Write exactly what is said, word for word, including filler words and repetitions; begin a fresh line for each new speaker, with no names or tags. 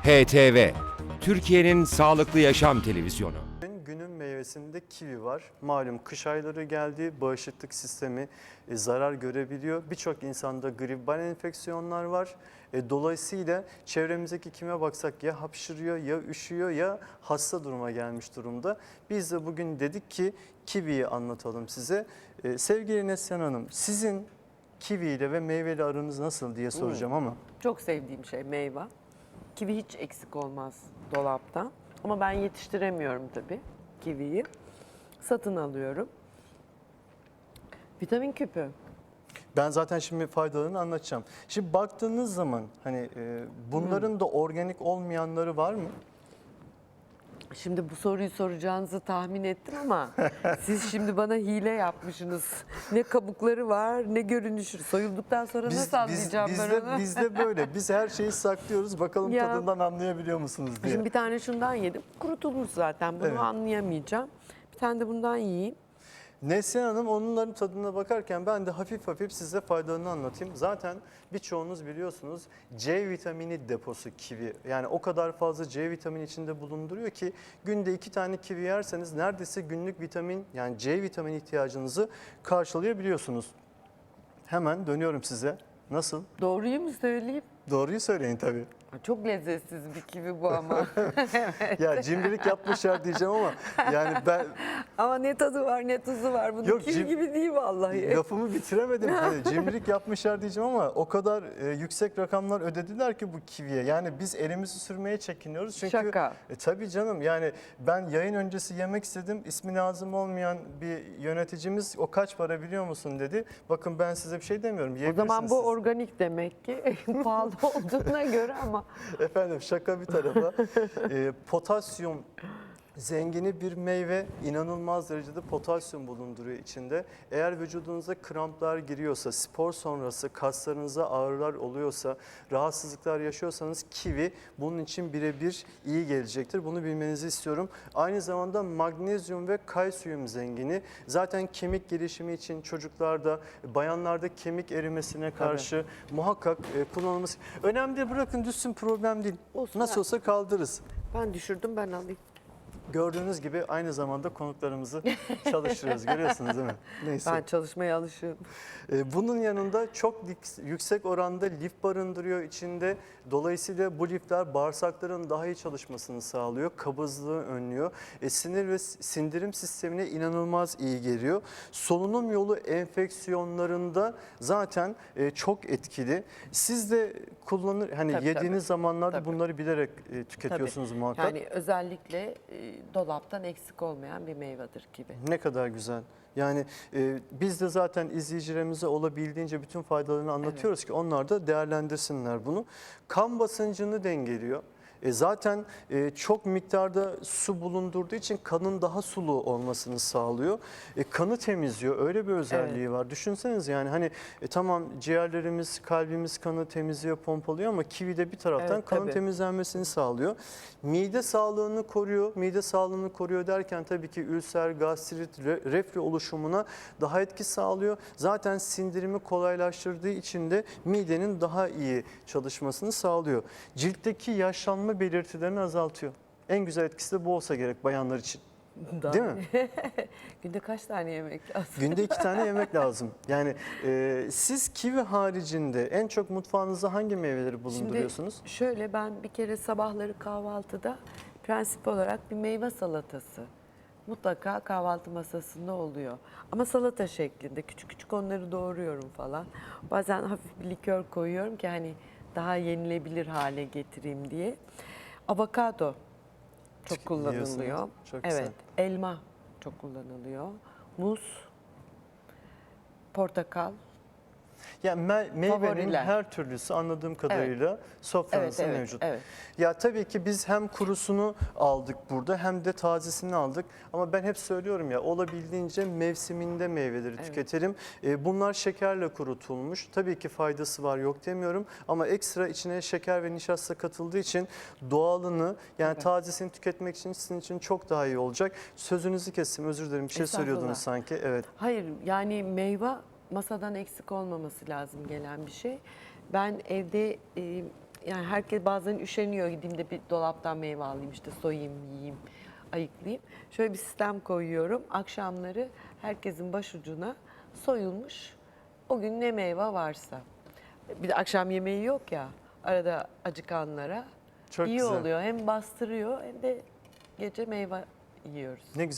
H T V, Türkiye'nin sağlıklı yaşam televizyonu.
Günün meyvesinde kivi var. Malum kış ayları geldi, bağışıklık sistemi e, zarar görebiliyor. Birçok insanda gribal enfeksiyonlar var. E, dolayısıyla çevremizdeki kime baksak ya hapşırıyor, ya üşüyor, ya hasta duruma gelmiş durumda. Biz de bugün dedik ki kiviyi anlatalım size. E, sevgili Neslihan Hanım, sizin kiviyle ve meyveli aranız nasıl diye soracağım ama.
Çok sevdiğim şey meyve. Kivi hiç eksik olmaz dolapta. Ama ben yetiştiremiyorum tabii kiviyi. Satın alıyorum. Vitamin küpü.
Ben zaten şimdi faydalarını anlatacağım. Şimdi baktığınız zaman hani e, bunların da organik olmayanları var mı?
Şimdi bu soruyu soracağınızı tahmin ettim ama siz şimdi bana hile yapmışsınız. Ne kabukları var ne görünüşü. Soyulduktan sonra nasıl anlayacağım ben
bizde,
onu?
bizde böyle. Biz her şeyi saklıyoruz. Bakalım
Ya.
tadından anlayabiliyor musunuz diye.
Şimdi bir tane şundan yedim. Kurutulmuş zaten. Bunu
Evet.
anlayamayacağım. Bir tane de bundan yiyeyim.
Neslihan Hanım onların tadına bakarken ben de hafif hafif size faydalarını anlatayım. Zaten birçoğunuz biliyorsunuz C vitamini deposu kivi. Yani o kadar fazla C vitamini içinde bulunduruyor ki günde iki tane kivi yerseniz neredeyse günlük vitamin yani C vitamini ihtiyacınızı karşılayabiliyorsunuz. Hemen dönüyorum size. Nasıl?
Doğruyu mu söyleyeyim?
Doğruyu söyleyin tabii.
Çok lezzetsiz bir kivi bu ama. Evet.
Ya cimrilik yapmışlar diyeceğim ama yani ben
Ama ne tadı var ne tuzu var. Bunun
Yok,
kivi
cim-
gibi değil vallahi.
lafımı bitiremedim. Hani cimrilik yapmışlar diyeceğim ama o kadar e, yüksek rakamlar ödediler ki bu kiviye. Yani biz elimizi sürmeye çekiniyoruz. Çünkü
Şaka.
E, tabii canım yani ben yayın öncesi yemek istedim. İsmi lazım olmayan bir yöneticimiz o kaç para biliyor musun dedi. Bakın ben size bir şey demiyorum.
O
Yiyebilirsiniz
zaman bu
siz.
organik demek ki pahalı olduğuna göre ama
Efendim şaka bir tarafa. e, potasyum zengini bir meyve, inanılmaz derecede potasyum bulunduruyor içinde. Eğer vücudunuza kramplar giriyorsa, spor sonrası kaslarınıza ağrılar oluyorsa, rahatsızlıklar yaşıyorsanız kivi bunun için birebir iyi gelecektir. Bunu bilmenizi istiyorum. Aynı zamanda magnezyum ve kalsiyum zengini. Zaten kemik gelişimi için çocuklarda, bayanlarda kemik erimesine karşı muhakkak e, kullanılması. Önemli değil, bırakın düşsün, problem değil.
Olsun,
Nasıl
ben-
olsa kaldırırız.
ben düşürdüm ben alayım.
Gördüğünüz gibi aynı zamanda konuklarımızı çalıştırıyoruz. Görüyorsunuz değil mi? Neyse.
Ben çalışmaya alışığım.
Ee, Bunun yanında çok lik- yüksek oranda lif barındırıyor içinde. Dolayısıyla bu lifler bağırsakların daha iyi çalışmasını sağlıyor. Kabızlığı önlüyor. E, sinir ve s- sindirim sistemine inanılmaz iyi geliyor. Solunum yolu enfeksiyonlarında zaten e, çok etkili. Siz de kullanır hani
Tabii,
yediğiniz
tabii.
zamanlarda
Tabii.
bunları bilerek e, tüketiyorsunuz
Tabii.
muhakkak.
Yani özellikle e, dolaptan eksik olmayan bir meyvedir kivi.
Ne kadar güzel. Yani e, biz de zaten izleyicilerimize olabildiğince bütün faydalarını anlatıyoruz ki onlar da değerlendirsinler bunu. Kan basıncını dengeliyor. E, zaten e, çok miktarda su bulundurduğu için kanın daha sulu olmasını sağlıyor. E, kanı temizliyor. Öyle bir özelliği var. Düşünseniz yani hani e, tamam ciğerlerimiz, kalbimiz kanı temizliyor, pompalıyor ama kivi de bir taraftan
Evet,
kanın
tabii.
temizlenmesini sağlıyor. Mide sağlığını koruyor. Mide sağlığını koruyor derken tabii ki ülser, gastrit, re- reflü oluşumuna daha etki sağlıyor. Zaten sindirimi kolaylaştırdığı için de midenin daha iyi çalışmasını sağlıyor. Ciltteki yaşlanma belirtilerini azaltıyor. En güzel etkisi de bu olsa gerek bayanlar için. Değil mi?
Günde kaç tane yemek lazım?
Günde iki tane yemek lazım. Yani e, siz kivi haricinde en çok mutfağınızda hangi meyveleri bulunduruyorsunuz?
Şimdi şöyle ben bir kere sabahları kahvaltıda prensip olarak bir meyve salatası mutlaka kahvaltı masasında oluyor. Ama salata şeklinde küçük küçük onları doğruyorum falan. Bazen hafif bir likör koyuyorum ki hani daha yenilebilir hale getireyim diye. Avokado çok kullanılıyor.
Yiyorsunuz. Çok güzel.
Evet, elma çok kullanılıyor. Muz, portakal.
Yani me- meyvenin
Favoriler.
her türlüsü anladığım kadarıyla sofranızda
Evet, evet,
mevcut.
evet.
Ya tabii ki biz hem kurusunu aldık burada hem de tazesini aldık. Ama ben hep söylüyorum ya olabildiğince mevsiminde meyveleri
Evet.
tüketelim. Ee, bunlar şekerle kurutulmuş. Tabii ki faydası var yok demiyorum. Ama ekstra içine şeker ve nişasta katıldığı için doğalını yani
Evet.
tazesini tüketmek için sizin için çok daha iyi olacak. Sözünüzü kestim, özür dilerim, bir şey
Estağfurullah.
söylüyordunuz sanki. Evet.
Hayır yani meyve masadan eksik olmaması lazım gelen bir şey. Ben evde e, yani herkes bazen üşeniyor, gideyim de bir dolaptan meyve alayım, işte soyayım, yiyeyim, ayıklayayım. Şöyle bir sistem koyuyorum. Akşamları herkesin başucuna soyulmuş o gün ne meyve varsa. Bir de akşam yemeği yok ya, arada acıkanlara
Çok
iyi
güzel.
oluyor. Hem bastırıyor hem de gece meyve yiyoruz.
Ne güzel.